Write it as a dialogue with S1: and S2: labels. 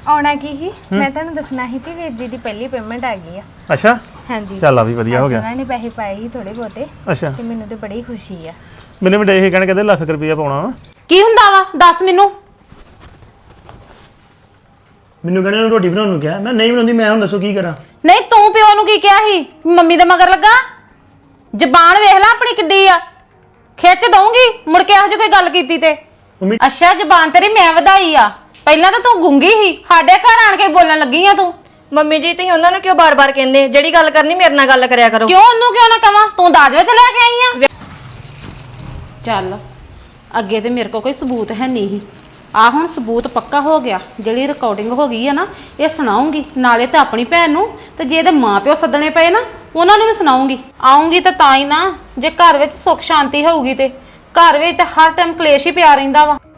S1: ਆਉਣਾ ਕੀ ਹੀ ਮੈਂ ਤੁਹਾਨੂੰ ਦੱਸਣਾ ਸੀ ਕਿ ਵੀਰ ਜੀ ਦੀ ਪਹਿਲੀ ਪੇਮੈਂਟ ਆ ਗਈ ਆ।
S2: ਅੱਛਾ
S1: ਹਾਂਜੀ
S2: ਚੱਲ ਆ ਵੀ ਵਧੀਆ ਹੋ ਗਿਆ।
S1: ਉਹਨਾਂ ਨੇ ਪੈਸੇ ਪਾਏ ਹੀ ਥੋੜੇ ਬਹੁਤੇ
S2: ਅੱਛਾ
S1: ਤੇ ਮੈਨੂੰ ਤੇ ਬੜੀ ਖੁਸ਼ੀ ਆ।
S2: ਮੈਨੂੰ ਵੀ ਇਹ ਕਹਿਣ ਕਹਿੰਦੇ ਲੱਖ ਰੁਪਈਆ ਪਾਉਣਾ ਵਾ।
S3: ਕੀ ਹੁੰਦਾ ਵਾ ਦੱਸ ਮੈਨੂੰ
S4: ਕਹਿੰਦੇ ਨੂੰ ਰੋਟੀ ਬਣਾਉਣ ਨੂੰ ਕਿਹਾ ਮੈਂ ਨਹੀਂ ਬਣਾਉਂਦੀ ਮੈਂ ਹੁਣ ਦੱਸੋ ਕੀ ਕਰਾਂ।
S3: ਨਹੀਂ ਤੂੰ ਪਿਓ ਨੂੰ ਕੀ ਕਿਹਾ ਸੀ ਮੰਮੀ ਦੇ ਮਗਰ ਲੱਗਾ ਜ਼ਬਾਨ ਵੇਖ ਲੈ ਆਪਣੀ ਕਿੱਡੀ ਆ ਖਿੱਚ ਦਊਂਗੀ ਮੁੜ ਕੇ ਇਹੋ ਜਿਹੀ ਕੋਈ ਗੱਲ ਕੀਤੀ ਤੇ
S4: ਮੰਮੀ
S3: ਅੱਛਾ ਜ਼ਬਾਨ ਤੇਰੀ ਮੈਂ ਵਧਾਈ ਆ ਪਹਿਲਾਂ ਤਾਂ ਤੂੰ ਗੁੰਗੀ ਸੀ ਸਾਡੇ ਘਰ ਆਣ ਕੇ ਬੋਲਣ ਲੱਗੀ ਆ ਤੂੰ।
S5: ਮੰਮੀ ਜੀ ਤੁਸੀਂ ਉਹਨਾਂ ਨੂੰ ਕਿਉਂ ਬਾਰ-ਬਾਰ ਕਹਿੰਦੇ ਜਿਹੜੀ ਗੱਲ ਕਰਨੀ ਮੇਰੇ ਨਾਲ ਗੱਲ ਕਰਿਆ ਕਰੋ।
S3: ਕਿਉਂ ਉਹਨੂੰ ਕਿਉਂ ਨਾ ਕਵਾਂ ਤੂੰ ਦਾਜ ਵਿੱਚ ਲੈ ਕੇ ਆਈ ਆ। ਚੱਲ ਅੱਗੇ ਤੇ ਮੇਰੇ ਕੋਲ ਕੋਈ ਸਬੂਤ ਹੈ ਨਹੀਂ ਸੀ ਆ ਹੁਣ ਸਬੂਤ ਪੱਕਾ ਹੋ ਗਿਆ ਜਿਹੜੀ ਰਿਕਾਰਡਿੰਗ ਹੋ ਗਈ ਆ ਨਾ ਇਹ ਸੁਣਾਉਂਗੀ ਨਾਲੇ ਤਾਂ ਆਪਣੀ ਭੈਣ ਨੂੰ ਤੇ ਜੇ ਇਹਦੇ ਮਾਪਿਓ ਸੱਦਣੇ ਪਏ ਨਾ ਉਹਨਾਂ ਨੂੰ ਵੀ ਸੁਣਾਉਂਗੀ। ਆਉਂਗੀ ਤਾਂ ਹੀ ਨਾ ਜੇ ਘਰ ਵਿੱਚ ਸੁੱਖ ਸ਼ਾਂਤੀ ਹੋਊਗੀ ਤੇ ਘਰ ਵਿੱਚ ਤਾਂ ਹਰ ਟਾਈਮ ਕਲੇਸ਼ ਹੀ ਪਿਆ ਰਹਿੰਦਾ ਵਾ।